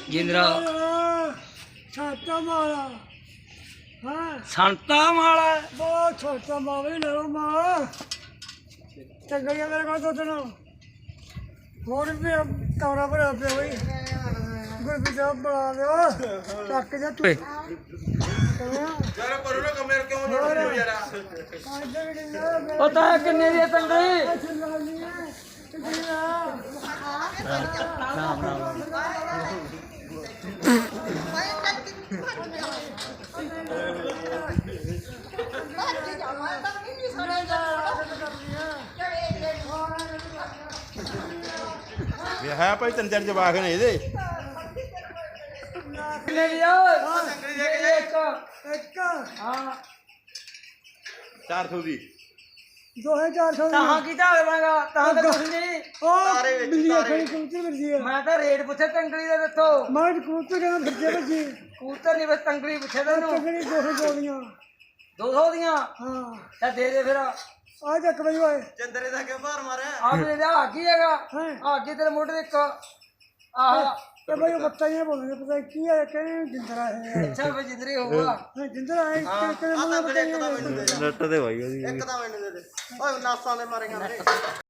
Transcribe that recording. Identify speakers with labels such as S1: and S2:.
S1: ਜਿੰਦਰਾ
S2: ਛਾਤਾ ਮਾਰਾ ਹਾਂ
S1: ਸੰਤਾ ਮਾਲਾ
S2: ਬਹੁਤ ਛੋਟਾ ਮਾਵੇ ਲੈ ਮਾਂ ਚੰਗੜੀਆਂ ਮੇਰੇ ਕੋਲ ਦੁੱਧ ਨਾ ਹੋਰ ਵੀ ਕਮਰਾ ਭਰਿਆ ਪਿਆ ਬਈ ਗੁਰਬੀ ਸਾਹਿਬ ਬਣਾ ਲਿਓ ਚੱਕ ਜਾ ਤੂੰ
S1: ਓਏ
S3: ਯਾਰ ਕਰੋ ਨਾ ਕਮੇਰ ਕਿਉਂ ਲੜਦੇ ਹੋ ਯਾਰ
S1: ਪਤਾ ਕਿੰਨੇ ਦੀ ਤੰਗੜੀ ਰਾਮ ਰਾਮ
S3: ਹੈ ਭਾਈ ਤਿੰਨ ਚਾਰ ਜਵਾਕ ਨੇ ਇਹਦੇ
S1: ਕਿੰਨੇ ਦੀ ਆ
S2: ਇੱਕ
S1: ਹਾਂ
S3: 400 ਦੀ
S2: 2400
S1: ਤਾਹਾਂ ਕੀ ਢਾਲ ਬਣਾਗਾ ਤਾਂ ਤਾਂ ਕੁਛ ਨਹੀਂ
S2: ਉਹ ਬਿੱਲੀ ਖੜੀ ਕਬੂਤਰ ਮਿਲਦੀ ਹੈ
S1: ਮੈਂ ਤਾਂ ਰੇਟ ਪੁੱਛਿਆ ਤੰਗੜੀ ਦਾ ਦੱਸੋ
S2: ਮੈਂ ਕਬੂਤਰ ਕਹਿੰਦਾ ਫਿਰਦੇ ਬੱਜੀ
S1: ਕਬੂਤਰ ਨਹੀਂ ਬਸ ਤੰਗੜੀ ਪੁੱਛਿਆ ਤੈਨੂੰ
S2: ਤਗੜੀ 200 ਦੀਆਂ
S1: 200 ਦੀਆਂ
S2: ਹਾਂ
S1: ਤਾਂ ਦੇ ਦੇ ਫਿਰ
S2: ਆ ਚੱਕ ਬਈ ਓਏ
S3: ਚੰਦਰੇ ਦਾ ਕਿਉਂ ਭਾਰ ਮਾਰਿਆ
S1: ਆ ਵੀ ਦੇ ਆ ਕੀ ਹੈਗਾ
S2: ਹੈਂ?
S1: ਆ ਕੀ ਤੇਰੇ ਮੋਢੇ ਤੇ ਇੱਕ ਆਹ
S2: ਤੇ ਬਈ ਉਹ ਬੱਤਾ ਹੀ ਬੋਲਦੇ ਪਤਾ ਕੀ ਹੈ ਕਹਿੰਦੇ ਜਿੰਦਰਾ ਹੈ
S1: ਅੱਛਾ ਵੀ ਜਿੰਦਰੀ ਹੋਊਗਾ
S2: ਜਿੰਦਰਾ ਹੈ ਕਿਹਨੇ ਮੈਨੂੰ ਪਤਾ ਹੀ ਨਹੀਂ
S3: ਨੱਟ ਤੇ ਭਾਈ ਉਹਦੀ ਇੱਕ ਤਾਂ ਮੈਨੂੰ ਦੇ ਦੇ ਓਏ ਨਾਸਾਂ ਦੇ ਮਾਰੇ ਖਾਂਦੇ